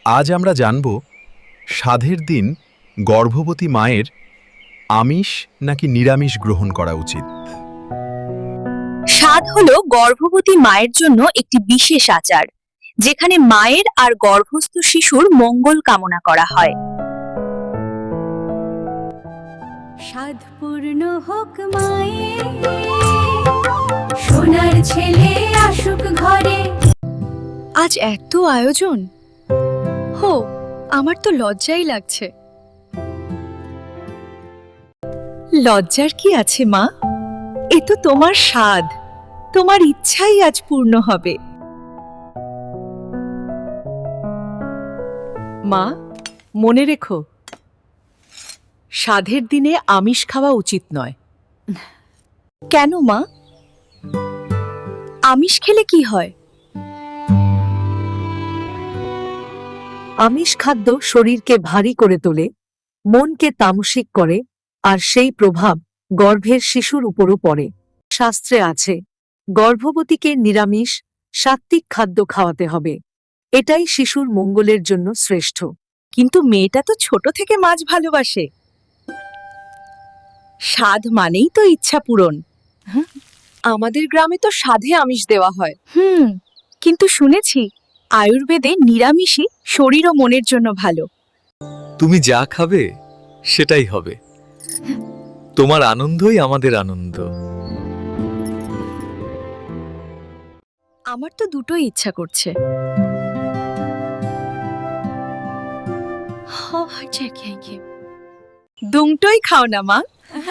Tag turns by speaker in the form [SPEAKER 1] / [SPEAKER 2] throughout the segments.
[SPEAKER 1] আজ আমরা জানব সাধের দিন গর্ভবতী মায়ের আমিষ নাকি নিরামিষ গ্রহণ করা উচিত।
[SPEAKER 2] সাধ হলো গর্ভবতী মায়ের জন্য একটি বিশেষ আচার, যেখানে মায়ের আর গর্ভস্থ শিশুর মঙ্গল কামনা করা হয়।
[SPEAKER 3] সাধ পূর্ণ হোক মায়ের, সোনার ছেলে আসুক ঘরে।
[SPEAKER 2] আজ এত আয়োজন, হো আমার তো লজ্জাই লাগছে। লজ্জার কি আছে মা? এ তো তোমার সাধ, তোমার ইচ্ছাই আজ পূর্ণ হবে।
[SPEAKER 4] মা, মনে রেখো, সাধের দিনে আমিষ খাওয়া উচিত নয়।
[SPEAKER 2] কেন মা? আমিষ খেলে কি হয়?
[SPEAKER 4] আমিষ খাদ্য শরীরকে ভারী করে তোলে, মনকে তামসিক করে, আর সেই প্রভাব গর্ভের শিশুর উপরও পড়ে। শাস্ত্রে আছে, গর্ভবতীকে নিরামিষ সাত্ত্বিক খাদ্য খাওয়াতে হবে। এটাই শিশুর মঙ্গলের জন্য শ্রেষ্ঠ।
[SPEAKER 2] কিন্তু মেয়েটা তো ছোট থেকে মাছ ভালোবাসে। সাধ মানেই তো ইচ্ছা পূরণ।
[SPEAKER 4] আমাদের গ্রামে তো সাধে আমিষ দেওয়া হয়।
[SPEAKER 2] কিন্তু শুনেছি আয়ুর্বেদে নিরামিষই শরীর ও মনের জন্য ভালো।
[SPEAKER 5] তুমি যা খাবে সেটাই হবে। তোমার আনন্দই আমাদের আনন্দ।
[SPEAKER 2] আমার তো দুটোই ইচ্ছা করছে। দুটোই খাও না মা।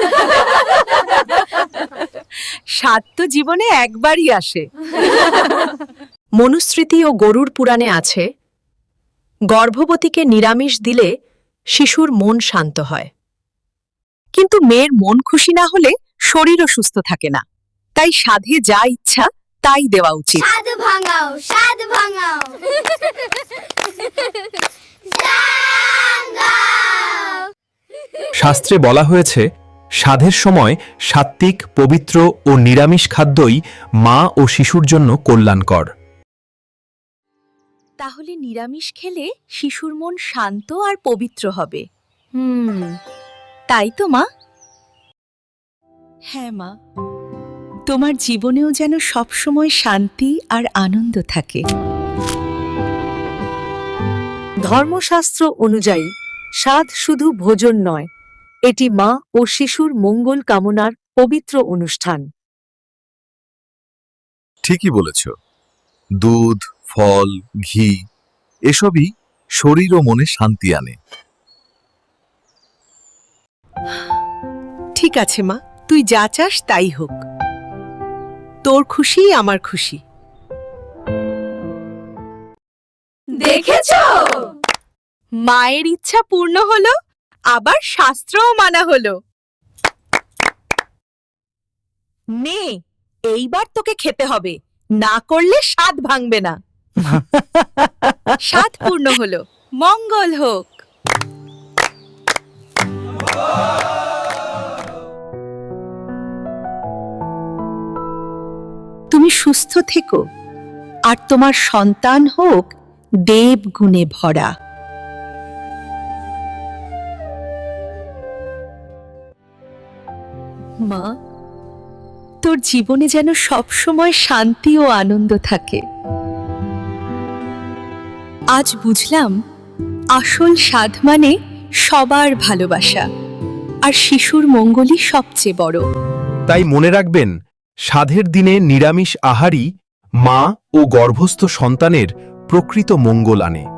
[SPEAKER 4] স্বাদ তো জীবনে একবারই আসে। মনুস্মৃতি ও গরুড় পুরাণে আছে, গর্ভবতীকে নিরামিষ দিলে শিশুর মন শান্ত হয়।
[SPEAKER 2] কিন্তু মেয়ের মন খুশি না হলে শরীরও সুস্থ থাকে না। তাই সাধে যা ইচ্ছা তাই দেওয়া উচিত।
[SPEAKER 3] সাধ ভাঙাও, সাধ ভাঙাও।
[SPEAKER 1] শাস্ত্রে বলা হয়েছে, সাধের সময় সাত্ত্বিক, পবিত্র ও নিরামিষ খাদ্যই মা ও শিশুর জন্য কল্যাণকর।
[SPEAKER 2] তাহলে নিরামিষ খেলে শিশুর মন শান্ত আর পবিত্র হবে। তাই তো মা? হ্যাঁ মা, তোমার জীবনেও যেন সবসময় শান্তি আর আনন্দ থাকে।
[SPEAKER 4] ধর্মশাস্ত্র অনুযায়ী সাধ শুধু ভোজন নয়, এটি মা ও শিশুর মঙ্গল কামনার পবিত্র অনুষ্ঠান।
[SPEAKER 1] ঠিকই বলেছ। দুধ, ফল, ঘি এসবই শরীর ও মনে শান্তি আনে।
[SPEAKER 4] ঠিক আছে মা, তুই যা চাস তাই হোক। তোর খুশিই আমার খুশি।
[SPEAKER 3] দেখেছো?
[SPEAKER 2] মায়ের ইচ্ছা পূর্ণ হলো, আবার শাস্ত্রও মানা হলো। নে, এইবার তোকে খেতে হবে, না করলে স্বাদ ভাঙবে না। স্বাদ পূর্ণ হলো, মঙ্গল হোক। তুমি সুস্থ থেকো, আর তোমার সন্তান হোক দেব গুণে ভরা। মা, তোর জীবনে যেন সবসময় শান্তি ও আনন্দ থাকে। আজ বুঝলাম, আসল সাধ মানে সবার ভালোবাসা, আর শিশুর মঙ্গলই সবচেয়ে বড়।
[SPEAKER 1] তাই মনে রাখবেন, সাধের দিনে নিরামিষ আহারই মা ও গর্ভস্থ সন্তানের প্রকৃত মঙ্গল আনে।